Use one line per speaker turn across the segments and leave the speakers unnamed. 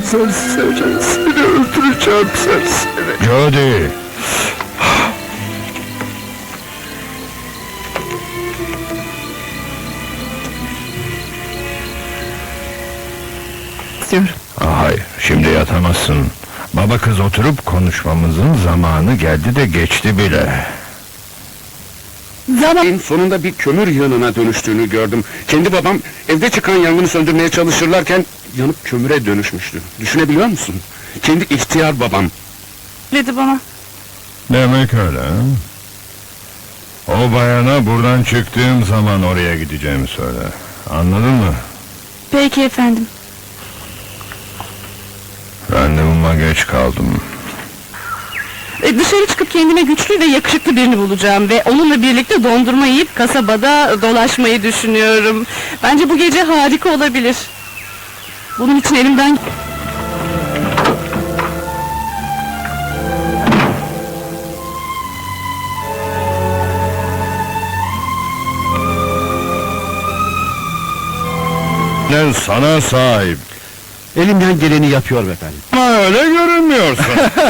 Serseri, seni öldüreceğim serseri.
Jody!
İstiyorum.
Hayır, şimdi yatamazsın. Baba kız oturup konuşmamızın zamanı geldi de geçti bile.
Zaman...
Sonunda bir kömür yığınına dönüştüğünü gördüm. Kendi babam evde çıkan yangını söndürmeye çalışırlarken yanıp kömüre dönüşmüştü. Düşünebiliyor musun? Kendi ihtiyar babam.
Dedi bana.
Demek öyle ha? O bayana buradan çıktığım zaman oraya gideceğimi söyle. Anladın mı?
Peki efendim.
Randevuma geç kaldım.
Dışarı çıkıp kendime güçlü ve yakışıklı birini bulacağım ve onunla birlikte dondurma yiyip kasabada dolaşmayı düşünüyorum. Bence bu gece harika olabilir. Bunun için elimden...
Ne sana sahip.
Elimden geleni yapıyor efendim.
Ama öyle görünmüyorsun.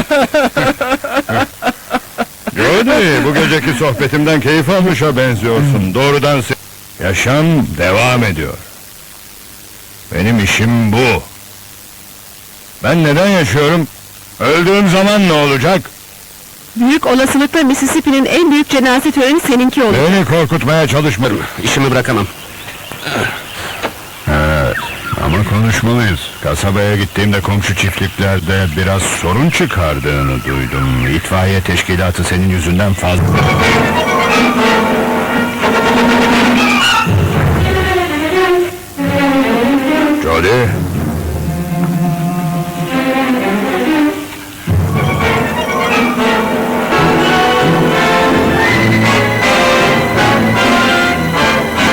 Jody, bu geceki sohbetimden keyif almışa benziyorsun. Doğrudan yaşam devam ediyor. Benim işim bu. Ben neden yaşıyorum? Öldüğüm zaman ne olacak?
Büyük olasılıkla Mississippi'nin en büyük cenaze töreni seninki olur.
Beni korkutmaya çalışma.
İşimi bırakamam.
Evet, ama konuşmalıyız. Kasabaya gittiğimde komşu çiftliklerde biraz sorun çıkardığını duydum. İtfaiye teşkilatı senin yüzünden fazla... Jody,